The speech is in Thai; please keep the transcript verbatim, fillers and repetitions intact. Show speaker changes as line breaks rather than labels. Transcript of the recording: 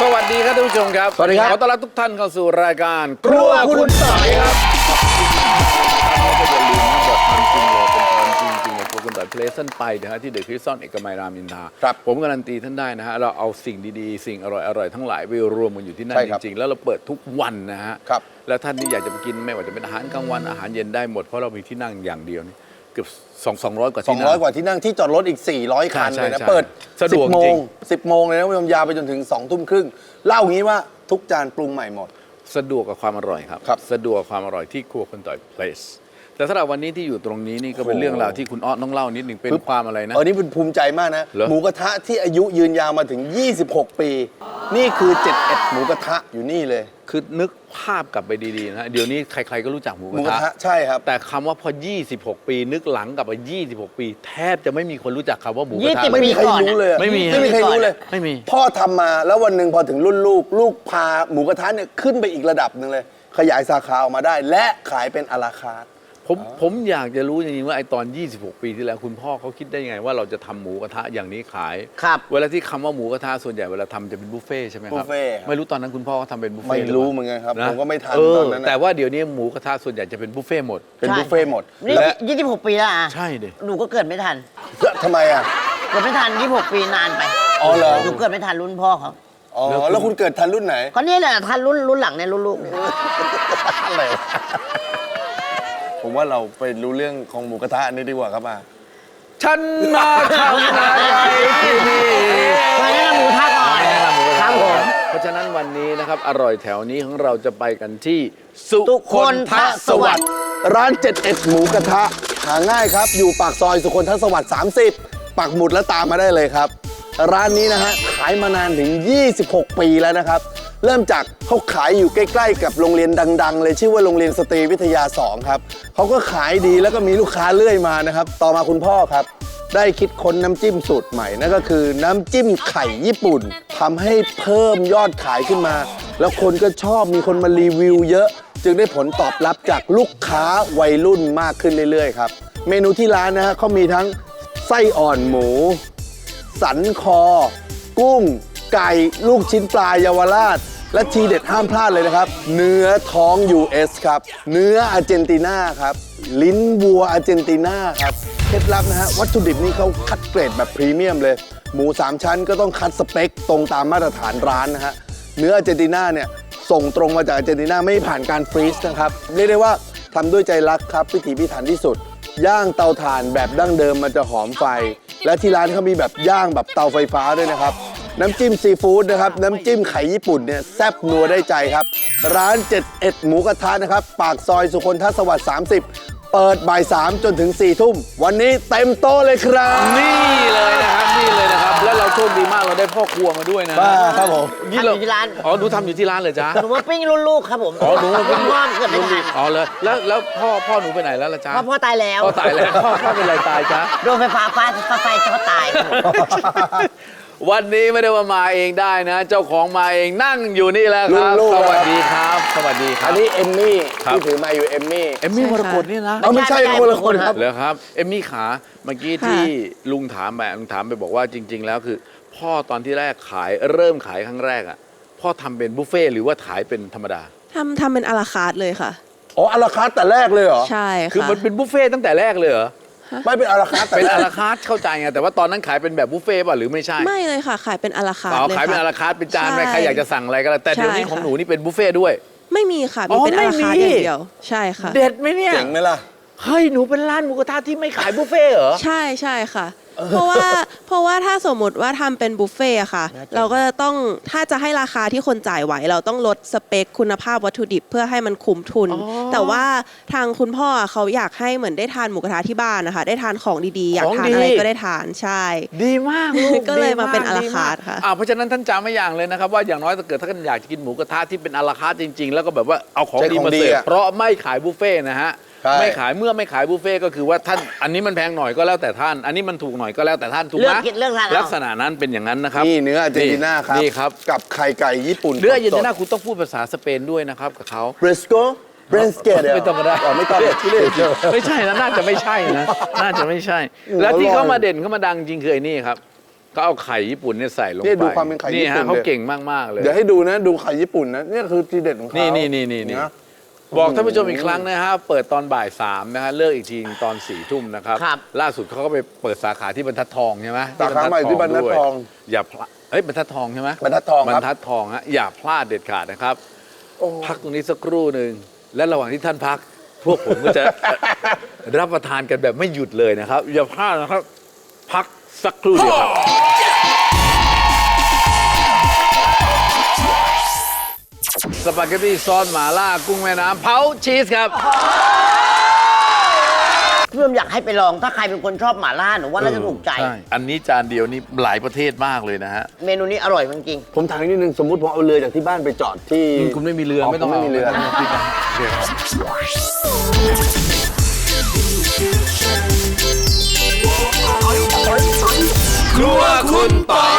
วัสดีครับท่านผู้ชมครับสวัสดีครับขอต้อนรับทุกท่านเข้าสู่รายการครัวคุณต่อยครับก็อย่าลืมนะบอกความจริงเลยเป็นความจริงจริงครัวคุณต่อยเพลสันไปนะฮะที่เดอะคริสตัลเอกมัยรามอินทราครับผมการันตีท่านได้นะฮะเราเอาสิ่งดีๆสิ่งอร่อยๆทั้งหลายไปรวมกันอยู่ที่นั่นจริงๆแล้วเราเปิดทุกวันนะฮะแล้วท่านที่อยากจะไปกินไม่ว่าจะเป็นอาหารกลางวันอาหารเย็นได้หมดเพราะเรามีที่นั่งอย่างเดียวนี่เกือบสองสองร้อยกว่าที่นั่ง
สองร้อยกว่าที่นั่งที่จอดรถอีกสี่ร้อยคันเลยนะเปิดสิบโมงสิบโมงเลยนะคุณผู้ชมยาวไปจนถึงสองทุ่มครึ่งเล่างี้ว่าทุกจานปรุงใหม่หมด
สะดวกกับความอร่อยครับสะดวกกับความอร่อยที่ครัวคุณต่อยเพลสแต่สำหรับวันนี้ที่อยู่ตรงนี้นี่ก็เป็นเรื่องราวที่คุณอ้อต้องเล่านิดหนึ่งเป็นความอะไรนะ
เออนี่เป็นภูมิใจมากนะหมูกระทะที่อายุยืนยาวมาถึงยี่สิบหกปีนี่คือเจ็ดสิบเอ็ดหมูกระทะอยู่นี่เลย
คือนึกภาพกลับไปดีๆนะเดี๋ยวนี้ใครๆก็รู้จักหมูกระทะ
ใช่ครับ
แต่คำว่าพอยี่สิบหกปีนึกหลังกลับไปยี่สิบหกปีแทบจะไม่มีคนรู้จักคำว่าหมูกระทะ
ไม่มีใครรู้เลย
ไม่มี
ไม่มีใครรู้เลย
ไม่มี
พ่อทำมาแล้ววันหนึ่งพอถึงรุ่นลูกลูกพาหมูกระทะเนี่ยขึ้นไปอีกระดับหนึ่งเลยขยายสาขาออกมาได้และขายเป็นอะลาคาร์ท
ผมผมอยากจะรู้จริงๆว่าไอ้ตอนยี่สิบหกปีที่แล้วคุณพ่อเขาคิดได้ยังไงว่าเราจะทำหมูกระทะอย่างนี้ขาย
ครับ
เวลาที่คำว่าหมูกระทะส่วนใหญ่เวลาทำจะเป็นบุฟเฟ่ใช่ไหมครับ
บุฟเฟ่
ไม่รู้ตอนนั้นคุณพ่อเขาทำเป็นบุฟเฟ่
ไม่รู้เหมือนกันครับผมก็ไม่ทันตอนนั้น
แต่ว่าเดี๋ยวนี้หมูกระทะส่วนใหญ่จะเป็นบุฟเฟ่หมด
เป็นบุฟเฟ่หมด
นี่ยี่สิบหกปีแล้วอ่ะ
ใช่ดิ
หนูก็เกิดไม่ทัน
ทำไมอ่ะ
เกิดไม่ทันยี่สิบหกปีนานไป
อ๋อเหรอ
หนูเกิดไม่ทันรุ่นพ่อเขา
อ๋อแล้วคุณเกิดทันรุ่นไหน
ก็นี่แหละทันรุ่นรุ่นหลังเนี่ยรุ่นลูกเนี่ย
อะไรผมว่าเราไปรู้เรื่องของหมูกระทะอันนี้ดีกว่าครับอ่ะ
ฉันมาทำอะไรที่นี่
มาแนะนำหมูกระทะก่อน
ครับผมเพราะฉะนั้นวันนี้นะครับอร่อยแถวนี้ของเราจะไปกันที่สุคนทสวัสดิ์
ร้านเจ็ดสิบเอ็ดหมูกระทะหาง่ายครับอยู่ปากซอยสุคนทสวัสดิ์สามสิบปักหมุดแล้วตามมาได้เลยครับร้านนี้นะฮะขายมานานถึงยี่สิบหกปีแล้วนะครับเริ่มจากเขาขายอยู่ใกล้ๆกับโรงเรียนดังๆเลยชื่อว่าโรงเรียนสตรีวิทยาสองครับเขาก็ขายดีแล้วก็มีลูกค้าเรื่อยมานะครับต่อมาคุณพ่อครับได้คิดค้นน้ำจิ้มสูตรใหม่นั่นก็คือน้ำจิ้มไข่ญี่ปุ่นทำให้เพิ่มยอดขายขึ้นมาแล้วคนก็ชอบมีคนมารีวิวเยอะจึงได้ผลตอบรับจากลูกค้าวัยรุ่นมากขึ้นเรื่อยๆครับเมนูที่ร้านนะฮะเขามีทั้งไส้อ่อนหมูสันคอกุ้งไก่ลูกชิ้นปลาเยาวราชและทีเด็ดห้ามพลาดเลยนะครับเนื้อท้อง ยู เอส ครับเนื้ออาร์เจนตินาครับลิ้นวัวอาร์เจนตินาครับเคล็ดลับนะฮะวัตถุดิบนี่เขาคัดเกรดแบบพรีเมียมเลยหมูสามชั้นก็ต้องคัดสเปคตรงตามมาตรฐานร้านนะฮะเนื้ออาร์เจนตินาเนี่ยส่งตรงมาจากอาร์เจนตินาไม่ผ่านการฟรีซนะครับเรียกได้ว่าทำด้วยใจรักครับพิถีพิถันที่สุดย่างเตาถ่านแบบดั้งเดิมมันจะหอมไฟและที่ร้านเขามีแบบย่างแบบเตาไฟฟ้าด้วยนะครับน้ำจิ้มซีฟู้ดนะครับน้ำจิ้มไข่ญี่ปุ่นเนี่ยแซ่บนัวได้ใจครับร้านเจ็ดสิบเอ็ดหมูกระทะนะครับปากซอยสุคนทสวัสดิ์สามสิบเปิดบ่ายสามจนถึงสี่ทุ่มวันนี้เต็มโต๊ะเลยครับ
นี่เลยนะครับนี่เลยนะครับแล้วเราโชคดีมากเราได้พ่อครัวมาด้วยนะ
บ้าครับผม
ทำอยู่ที่ร้าน
อ๋อหนูทำอยู่ที่ร้านเลยจ้า
หนูมาปิ้งรุ่นลูกครับผม
อ๋อหนูมาปิ้ง
พ่อเกิดไม่ทัน
อ๋อเลยแล้วแล้วพ่อพ่อหนูไปไหนแล้วล่ะจ้า
พ่อพ่อตายแล้ว
พ่อตายแล้วพ่อพ่อเป็นอะไรตายจ้า
โดนไฟฟ้าฟาดไฟช็อตตาย
วันนี้ไม่ได้ว่ามาเองได้นะเจ้าของมาเองนั่งอยู่นี่แล้วครับสวัสดีครับสวัสดีครับ
อันนี้เอมมี่ที่ถือมาอยู่เอมมี่
เอมมี่มรกตนี่นะ
ไม่ใช่คนละคนครับ
เหรอครับเอมมี่ขาเมื่อกี้ที่ลุงถามแบบลุงถามไปบอกว่าจริงๆแล้วคือพ่อตอนที่แรกขายเริ่มขายครั้งแรกอ่ะพ่อทำเป็นบุฟเฟ่หรือว่าขายเป็นธรรมดา
ทำทำเป็นอะลาคาร์ทเลยค่ะ
อ๋ออะลาคาร์ทแต่แรกเลยเหรอ
ใช่ค่ะ
คือมันเป็นบุฟเฟ่ตั้งแต่แรกเลยเหรอ
ไม่เป็นอะลาคาร์ท
เป็นอะลาคาร์ทเข้าใจไงแต่ว่าตอนนั้นขายเป็นแบบบุฟเฟ่ป่ะหรือไม่ใช่
ไม่เลยค่ะขายเป็นอะลาคาร์ทเลยค่ะ
ขายเป็นอะลาคาร์ทเป็นจานไปใครอยากจะสั่งอะไรก็แล้วแต่เดี๋ยวนี้ของหนูนี่เป็นบุฟเฟ่ด้วย
ไม่มีค่ะมีเป็นอะลาคาร์ทอย่างเดียวใช่ค่ะ
เด็ดไหมเนี่ย
เจ๋งไหมล่ะ
เฮ้ยหนูเป็นร้านหมูกระทะที่ไม่ขายบุฟเฟ่เหรอ
ใช่ใช่ค่ะเพราะว่าเพราะว่าถ้าสมมติว่าทำเป็นบุฟเฟ่อะค่ะเราก็จะต้องถ้าจะให้ราคาที่คนจ่ายไหวเราต้องลดสเปคคุณภาพวัตถุดิบเพื่อให้มันคุ้มทุนแต่ว่าทางคุณพ่อเขาอยากให้เหมือนได้ทานหมูกระทะที่บ้านนะคะได้ทานของดีๆอยากทานอะไรก็ได้ทานใช่
ดีมากลูก
ก็เลยมาเป็นอะลาคาร์ทค่ะ
เพราะฉะนั้นท่านจำไว้อย่างเลยนะครับว่าอย่างน้อยถ้าเกิดถ้าท่านอยากจะกินหมูกระทะที่เป็นอะลาคาร์ทจริงๆแล้วก็แบบว่าเอาของดีมาเสิร์ฟเพราะไม่ขายบุฟเฟ่นะฮะไม่ขายเมื่อไม่ขายบุฟเฟ่ก็คือว่าท่านอันนี้มันแพงหน่อยก็แล้วแต่ท่านอันนี้มันถูกหน่อยก็แล้วแต่ท่านถูกไหมลักษณะนั้นเป็นอย่างนั้นนะครับ
นี่เนื้ออาร์เจนตินาครับ
นี่ครับ
กับไข่ไก่ญี่ปุ่น
เนื้ออาร์เจนตินาคุณต้องพูดภาษาสเปนด้วยนะครับกับเขา
เบรสโกเบรสเกต
ไม่ต้องก็ได้
ไม่ต้อง
ไม่ใช่นะน่าจะไม่ใช่นะน่าจะไม่ใช่แล้วที่เขามาเด่นเขามาดังจริงคือไอ้นี่ครับก็เอาไข่ญี่ปุ่นเนี่ยใส่ลงไป
นี่ดูความเป็นไข่ญี่ปุ่น
นี่ฮะเขา
เลย
เก่งมากๆเลย
เดี๋ยวให้ดูนะดูไข่ญี่ปุ่นนะนี่คือทีเด็ดของเขา
นี่
นี่
นี่นี่นี่นี่บอกท่านผู้ชมอีกครั้งนะฮะเปิดตอนบ่ายสามนะฮะเลิกอีกทีตอนสี่ทุ่มนะครับ
ครับ
ล่าสุดเขาก็ไปเปิดสาขาที่บรรทัดทองใช่ไหม
สาขาใหม่ที่บรรทัดทอง
ด้วยอย่าพลาดเอ้ยบรรทัดทองใช่ไหม
บรรทัดทองครับ
บรรทัดทองฮะอย่าพลาดเด็ดขาดนะครับ พักตรงนี้สักครู่หนึ่งและระหว่างที่ท่านพัก พวกผมก็จะ รับประทานกันแบบไม่หยุดเลยนะครับ อย่าพลาดนะครับ พักสักครู่เดียวครับ สปาเกตตี้ซอสหม่าล่ากุ้งแม่น้ำเผาชีสครับ
เพื่อนอยากให้ไปลองถ้าใครเป็นคนชอบหม่าล่าหนูว่าน่าจะถูกใจ
ช่อันนี้จานเดียวนี่หลายประเทศมากเลยนะฮะ
เมนูนี้อร่อยจริง
ผมถามนิดนึงสมมติผมเอาเรือจากที่บ้านไปจอดที่
คุณไม่มีเรือไม่ต้อง
ไม่มีเรือ
ครัวคุณต่อย